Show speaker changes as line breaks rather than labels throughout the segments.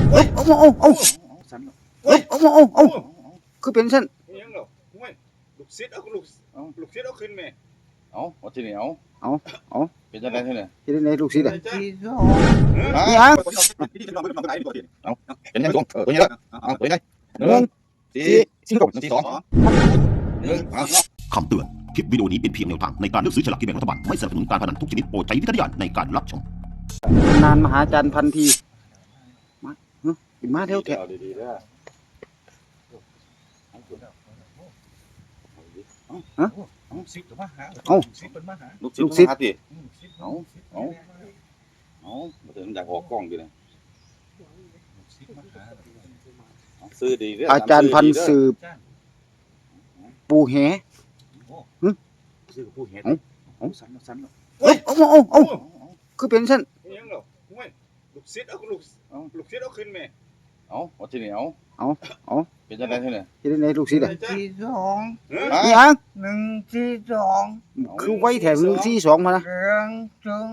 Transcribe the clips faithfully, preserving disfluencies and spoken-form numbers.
เอ้ยเอาเอาเอาเอ้ยเอาเอาเอาคือเป็นชั้น
ยังหรอห่วยลูกศิษย์เอาลูกลูกศิษย์เอาขึ้นแม่
เอาเอาที่นี่เอา
เอาเอา
เป็นจังได๋ที่นี่
ที่ไหนลูกศิษย์อ่ะ
นี่
ยัง
เอาเป็นยังตรงเออตัวนี้ละเอาตัวนี้หนึ่งสี่สี่หกสี่สองหนึ่งเอา
คำเตือน คลิปวิดีโอนี้เป็นเพียงแนวทางในการเลือกซื้อฉลากกินแบ่งรัฐบาล ไม่สนับสนุนการพนันทุกชนิดโปรดใช้วิจารณญาณในการรับชม
นานมหาจารย์พันทีมาเฮ้ยมาเท่าแถว
ดีๆเด้อ
ฮะ
ลูกศิษย์มาหา
เอ้า
ลูกศิษย์เป็นมาหา
ลูกศิษย์ลูกศิษย์ติเอาเอาเอาบ่ถึงอยากออกกล้องอยู่เลยซื้อดีเด้อ
อาจารย์พันสืบปูแห
ซื้อกับผู้เห็น
เอาสันสันเอ้ยเอาเอาเอาคือเป็นชั้น
ยังหรอห่วยลูกศิษย์เอาลูกลูกศิษย์เอาขึ้นแม่
เอาเอาที่นี่เอา
เอาเอา
เป็นจังได๋ที่นี่
ที่ไหนลูกศิษย์อ่ะ
สี่สอง
ยัง
หนึ่งสี่สอง
คือไว้แถวหนึ่งสี่สองมานะ
เรื่องจุง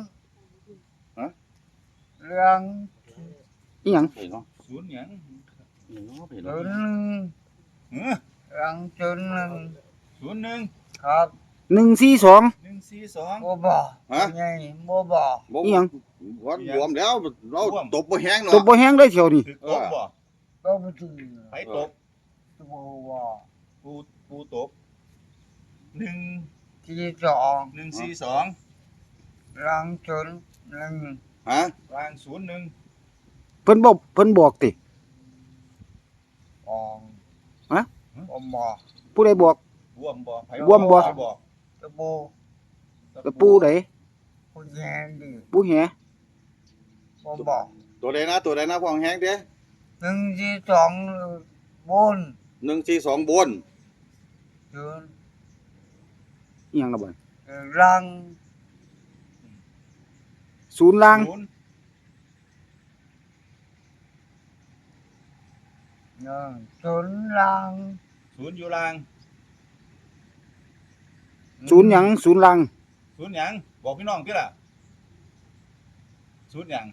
เรื่อง
นี่ยัง
เห็นเนาะ
ศูนย์ยัง
เห็นเนาะเห็น
จุ
เนาะ
นหนึ่ง
เออ
เรื่องจุนหนึ่ง
ศูนย์หนึ่ง
ครับ
หนึ่งสี่สอง
หนึ่งสี่สอง
โมบอไงโมบอ
นี่ยัง
วันรวมแล้วเราตบบ่แห้ง
ต
เนาะ
บบ่แห้งได้เที่ยวนี่
ถือตบบ่
ก็ไม่ถึง
ไปตบ
โมบอ
ปูปูตบหนึ่ง
สี่สอง
หนึ่งสี่สอง
เรื่องจุนหนึ่ง
ฮะ
กลางศูนย์หนึ่ง
เพิ่นบอกเพิ่นบอกติ
ออง
ฮะ
โมบอ
ผู้ใดบอก
บวมบ่ไผ
บวมบ่
ไผ
ตะบู
แต่ปูไหน
ผู้แย่ดี
ปูแห
โมบอ
ตัวใดนะตัวใดนะพองแห้งเด้
หนึ่งสี่สองบน
หนึ่งสี่สองบน
จุน
นี่ยังละบ่
เรื่อง
ศูนย์ล่าง
ศูนย์
หนึ่งจุนเรื่อง
ศูนย์อยู่ล่าง
ศูนย์หยังศูนย์ล่าง
ศูนย์หยังบอกพี่น้องพี่ล่ะศูนย์หยัง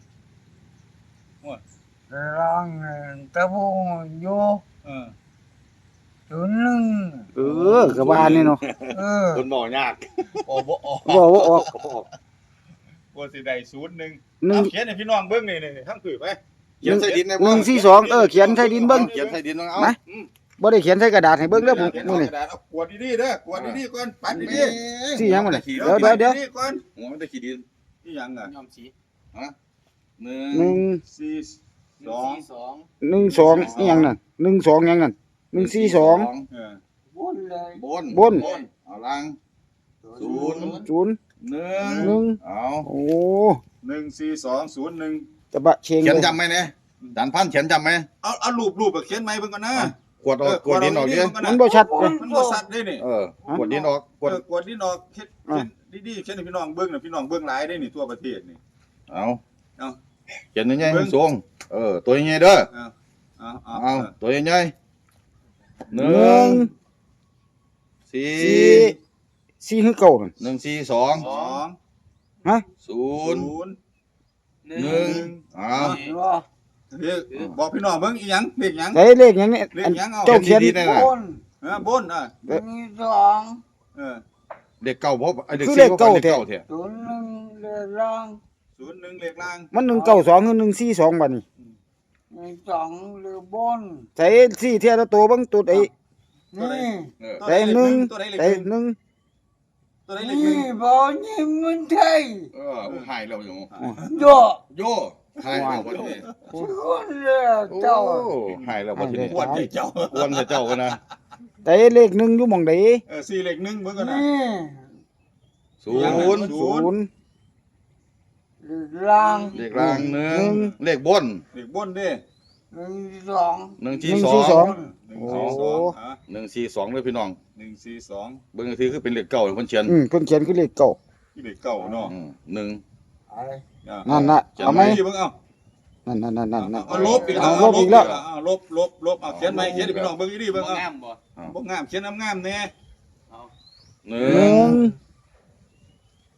เรื่องตะบูอยู่
เออ
จุนหนึ่ง
เออกระบาลนี่เนาะ
เออ
คนบอกยาก
โอ้บ่ออก
บอกว่าออก
ว่าสิได้ศูนย์หนึ่ง
หนึ่ง
เอาเขียนให้พี่น้องเบิ่งนี่นี่ทั้งผืนไป
เขียนใส่ดินใน
หนึ่งสี่สองเออเขียนใส่ดินเบิ่ง
เขียนใส่ดินต้องเอา
ไหน บ่ได้เขียนใส่กระดาษให้เบิ่งเด้อผม
เขียน
มื้อ
เอา
นี้
กระดาษเอากวดดีๆเด้อกวดดีๆก่อนปัดดี
สี่หยังบ่เนี่ย
ๆ
เดี๋ยวเดี๋ยวเดี๋ยว
ปัก่อน
หัวมันได้ขี้ดิน
นี่หยังอ่ะ
ยอมสีฮะหนึ่ง
หนึ่ง
สี่สอง
หนึ่งสองนี่หยังนั่นหนึ่งสองหยังนั่นหนึ่งสี่สอง
เออบ
นเลย
บน
บน
เอาล่างศูนย์
ศูนย์
หนึ่ง
หนึ่ง
เอา
โอ้
หนึ่งสี่สองศูนย์หนึ่ง
ตะบะเชง
เขียน
เลย
จำไหมเนี่ยจานพันเขียนจำไหม
เอาเอารูปรูปแบบเขียนไหมเบิ่งก่อนนะ
กวดออกกวดดินออกดิ
มันบ่ชัดเลย
มันบ่ชัดเด้นี่
เออกวดดินออกกวด
เออกวดดินออกเฮ็ดเขียนดีๆเขียนให้พี่น้องเบิ่งน่ะพี่น้องเบิ่งหลายได้นี่ทั่วประเทศนี่
เอา
เอา
เขียนยังไงสูงเออตัวยังไงเด้อ
เอาเอา
เอาตัวยังไงห
ห
นึ่
นึ่
ง
ง
สี่
สี่สี่คือเก่านั่น
หนึ่งสี่สอง
สอง
ฮะ
ศู
ศู
นย์
นย์
หนึ่งเอา
เรียกบอกพี่น้องเบิ่งอีหยังเลขหยัง
ได้เลขหยังเนี่ย
เลข
อัน
หยังเอา
เจ้าเขียน
ดีๆนะ
บน
เออบนอ่ะ
หนึ่งสอง
เออ
เด็กเก่าเพราะไอ้เด็ก
คือ
สี่
เลขเก่า
เด็ก
แท้
เก่าแท้
จุนหนึ่งเรื่อง
ศูนย์หนึ่งเลขล่าง
มันหนึ่งเก้าสองคือหนึ่งสี่สองบัดนี้
หนึ่งสองหรือบน
ใส่สี่เทียละตัวเบิ่งตัวใด
นี่
เออ
ตัว
ใส่
ใดเลข
หนึ่ง
ตัวใดเลข
ใส่
หนึ่ง
หนึ่ง
ตัวใดเลขหนึ่
นี่
ง
บอนี่มันไทย
เออหายแล้วอยู่
โย
โย่หายแล้ววันนี้
คนเรือเจ้า
โอ้หายแล้ววันนี้
ปวดให้เจ้า
วันให้เจ้ากันนะ
ใส่เลขหนึ่งอยู่หม่องใด
เออสี่เลขหนึ่งเบิ่งก่อนนะ
นี่
ศูนย์
ศูนย์
หรือล่าง
เลขล่างหนึ่งเลขบน
เลขบนเด้
หนึ่งสอง
หนึ่ง
ห
สี่
นึ่ง
สอ
สี่
ง
สอง
หนึ่งสี่สองอ่ะ
หนึ่งสี่สองเลยพี่น้อง
หนึ่งสี่สอง
เบิ่งทีคือเป็นเลขเก่าเพิ่นเขียน
อืมเพิ่นเขียนคือเลขเก่า
ที่เลขเก่าเนาะ
อืมหนึ่ง
อะไร
อ่ะ
นั่นน่ะ
จำ
เอาไหม
เบิ่งเอา
นั่นนั่นนั่นนั่นนั่น
เอาลบอีก
เอาลบอีกแล้ว
เอาลบลบลบเอาเขียนใหม่เขียนให้พี่น้องเบิ่งอีดีเบิ่งเอาบ่งามเขียนงามๆแน่
หนึ่
หนึ่
ง
ง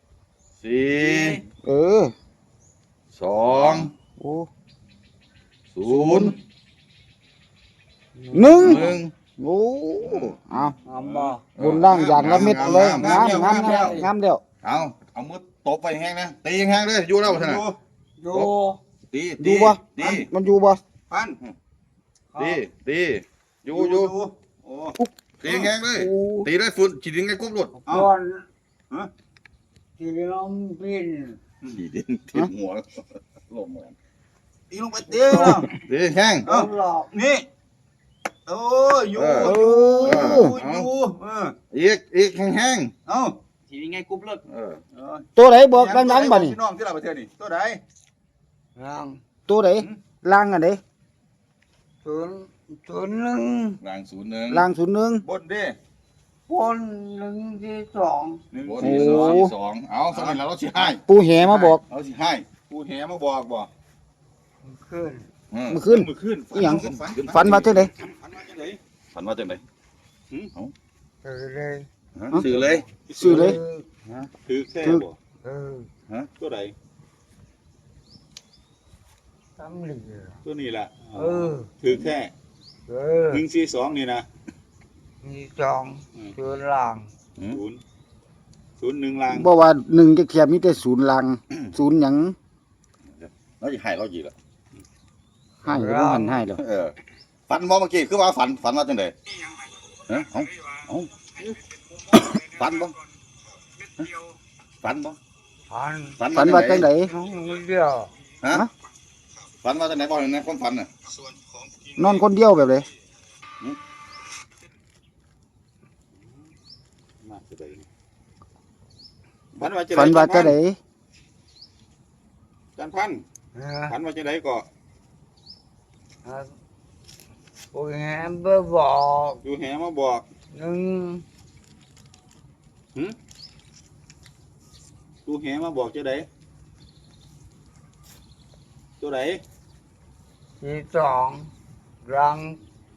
สี่
เออ
สอง
โอ้
ศศูนย์
หนึ่ง
หนึ่ง
โอ้เอา
งามบ่
บนล่างอย่างละเม็ดเลย
งาง
าม ม
งาง
าม ม
งาม
งามเดียว
เอาเอามือตบไปแห้งนะตีแห้งเลยอยู่แล้วท่านน่ะ
ดู
ตี
อ
ตี
ยู่บ่
ตี
มันอยู่บ่
พัน
ตีตีอยู่อยู่
โอ้
ตีแห้งเลย
โอ้
ตีเลยฝุ่นฉีดดินไงกุ๊บหลุด
เอา
ก่อน
ฮะ
ที่น้องพิน
ฉีดดินทิ่มหัวลมเหมือน
ตีลงไปเตี้ย
ตีแห้ง
เอาหลอก
นี่โอ้อยู่
เอ
เอ
อยู่
อ
อยู่เออ
อีกอีกแห้งแห้ง
เอ้า
ทีนี้ไงกรุ๊ปเลิก
เออ
เออ
ตัวไหนบอกดังๆบ่นี่
พี่น้องที่เราประเทศนี่ตัวใด
ร่าง
ตัวไหนล่างอันไหน
ศูนย์ศูนย์หนึ่ง
รางศูนย์หนึ่ง
ล่างศูนย์หนึ่ง
บนเด้
บนหนึ่งที่สอง
หนึ่ง
บน
สี่
ที่
ส
ส
อ
อง งที่สองเอาสมัยแล้วเราสิให้
ปูแหมาบอก
เราสิให้
ผู้แหมาบอกบ่
ขึ้น
อืม
เมื่อคืน
มือขึ้น
อีหยัง
ฝัน
ฝันว่าจังได๋
ฝันว่าจังได
ฝันว่าจังได
ตื่นเลย
ฮะสื่อเลย
ซื้อเลย
ถือแค่บ่
เออ
ตัวใด
ตำเหลือ
ตัวนี้ล่ะ
เออ
ถือแค่
เออ
หนึ่งสี่สองนี่นะ
มีสองศูนย์ล่าง
ศูนย์ศูนย์หนึ่งลาง
บ่ว่าหนึ่งจะเทียบมีแต่ศูนย์ล่างศูนย์หยัง
เราสิให้เรากี่ละ
ให้หรือบ่หันให้แล้ว
เออฝันบ่เมื่อกี้คือว่าฝันฝันว่าจังไดฮะเอาเอาฝันบ่ฮะฝันบ่
พัน
ฝันว่าจังได๋
น้องเดียว
ฮะฝันว่าจังไดบ่เห็นในความฝันน่ะ
นอนคนเดียวแบบไหน
มาจะได้ฝันว่าจะ
ฝันว่าจังได๋
จันพัน
นะ
ฝันว่าจะได้ก็
โอ้ยแฮมเบอร์บอก
อยู่แหมาบอก
หนึ่ง
ดูแหมาบอกจะได้ตัวไหน
ที่สองรัง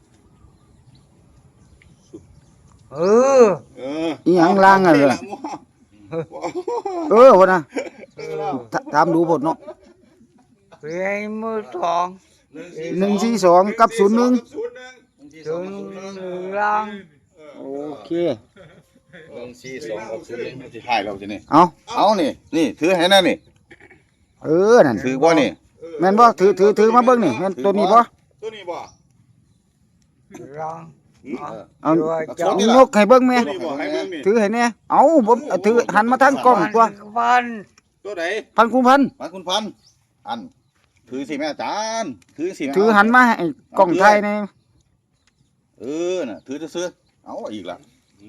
เออ
เออ
อีหยังล่างอ่ะเหรอเออว่าน่ะ
เออ
ถถามดูบทเนาะ
เพียงมือสอง
หนึ่งสี่สองกับศูนย์หนึ่ง
ศูนย์หนึ่ง
ศูนย์หนึ่งรัง
โอเค
หนึ่งสี่สองกับศูนย์หนึ่งมันสิให้เราสินี่
เอา
เอานี่นี่ถือให้แน่นี่
เออนั่น
ถือบ่นี่
แม่นบ่ถือถือถือมาเบิ่งนี่แม่นตัวนี้บ่
ตัวนี้บ่
รัง
เอา
ด้วย
เอา
เจ้า
ยกให้เบิ่งแม่
ตัวนี้บ่ให้เบิ่งนี่
ถือให้แน่เอาผมถือหันมาทางกล้องตัว
พัน
ตัวไหน
พันคุณพัน
มาคุณพันอันถือสิแม่อาจารย์ถือสิแม่
ถือหันมาให้กล้องไทยนี่
เออน่ะถือซื่อๆเอาอีกละ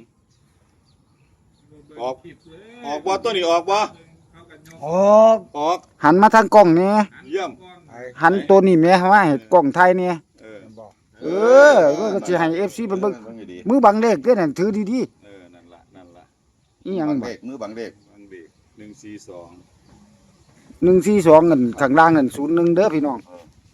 ออกออกบ่ตัวนี้ออกบ่
ออก
ออก
หันมาทางกล้องนี่
เยี่ยม
หันตัวนี้แม่มาให้กล้องไทยนี่
เออ
บอก
เออก็สิให้ เอฟ ซี เพิ่นเบิ่ง
ให้ดี
มือบังเลขเด้อนั่นถือดี
เออนั่นล่ะนั่นล่ะ
ๆอีหยัง
บัง
บ่
เด็กมือบังเด็ก
ฟังดีหนึ่งสี่สอง
หนึ่งสี่สองนั่นข้างล่างนั่นศูนย์หนึ่งเด้อพี่น้อง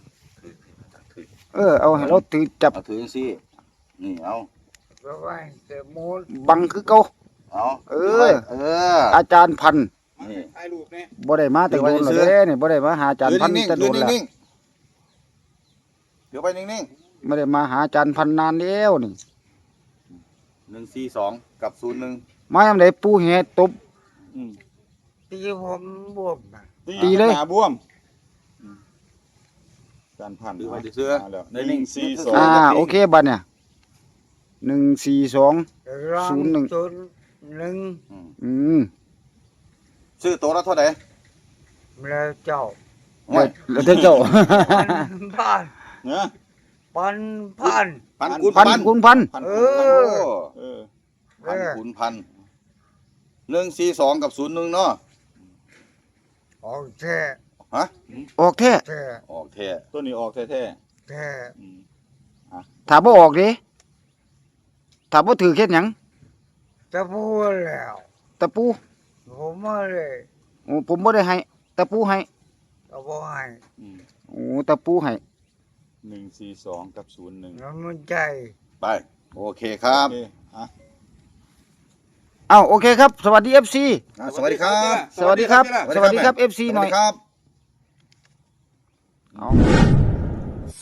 เออเอาให้เราถือจับ
เอาถือสินี่เอา
แล้วไปเต็มมูล
บังคือเก่า
เอา
เออ
เออ
อาจารย์พันธุ์
มา
นี่
ถ่ายรูปแน่
บ่ได้มาแต่โดนแล้วเด้นี่บ่ได้มาหาอาจารย์พันธุ์
นิ่ง
แต่
ๆ
โด
ยืน
นแล้ว
นิ่งๆเดี๋ยวไปนิ่ง
ไม่ได้มาหาอาจารย์พันธุ์นานแล้วนี่
ๆหนึ่งสี่สองกับศูนย์หนึ่ง
มายามใดปูแหตบ
ที่ผมบวมน่ะ
ตีเลย
หน้าบวมจันพัน
ถือไปเสื้อ
มาแล้ว
ใน
ห
นิ่
นึ่
ง
งสี่สอง
อ่าโอเคบัดเนี่ยหนึ่งสี่สอง
รัง
ศูนย์หนึ่ง
ศูนย์หนึ่ง
อืม
ซื้อตัวละเท่าไหร่
แล้วเจ้า
โอ้ย
แล้วเจ้า
พัน
เนาะ
พันพัน
พันคูณ
พัน
พัน
คูณพัน
พัน
เอ
โอ้
อ
เออ
พันคูณพันหนึ่งสี่สองกับศูนย์หนึ่งเนาะ
ออกแท้
ฮะ
ออกแท้
แท้
ออกแท้
ตัวนี้ออกแท้
แท้
ๆอืม
ถ้าบ่ออกเด้ถ้าบ่ถือเฮ็ดหยัง
จะพูดแล้ว
ตะปู
ผมไม่เลย
โอ้ผมบ่ได้ให้ตะปูให้
ก็บอกให้
อืม
โอ้ตะปูให้
หนึ่งสี่สองกับศูนย์หนึ่ง
น้ำมันใจ
ไปโอเคครับ
โอเคอ่ะ
อ้าวโอเคครับ สวัสดี เอฟ ซี
อ่ะสวัสดีครับ
สวัสดีครับ สวัสดีครับ เอฟ ซี
ส
หน่
วั
อ
ส
ย
ดีครับ
เอา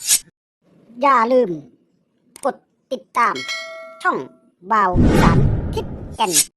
อย่าลืม กดติดตาม ช่องบ่าวสารทิศแก่น